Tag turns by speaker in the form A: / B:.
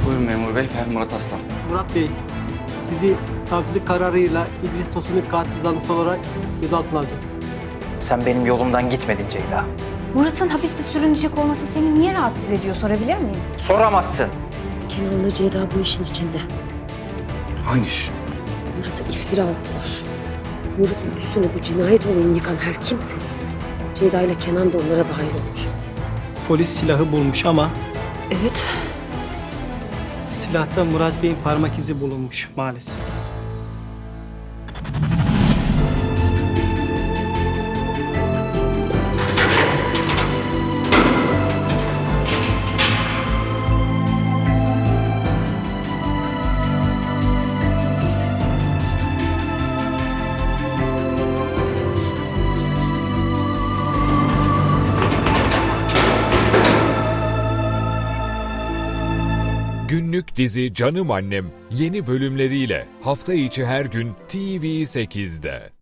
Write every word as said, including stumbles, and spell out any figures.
A: Buyurun memur bey, ben Murat Aslan.
B: Murat Bey, sizi savcılık kararıyla İdris Tosun'un katil zanlısı olarak gözaltına alacağız.
C: Sen benim yolumdan gitmedin Ceyda.
D: Murat'ın hapiste sürünecek olması seni niye rahatsız ediyor sorabilir miyim?
C: Soramazsın.
E: Kenan'la Ceyda bu işin içinde.
A: Hangi iş?
E: Murat'a iftira attılar. Murat'ın üstüne bu cinayet olayını yıkan her kimse Ceyda ile Kenan da onlara dahil olmuş.
B: Polis silahı bulmuş ama
E: Evet.
B: silahta Murat Bey'in parmak izi bulunmuş maalesef.
F: Günlük dizi Canım Annem yeni bölümleriyle hafta içi her gün T V sekizde.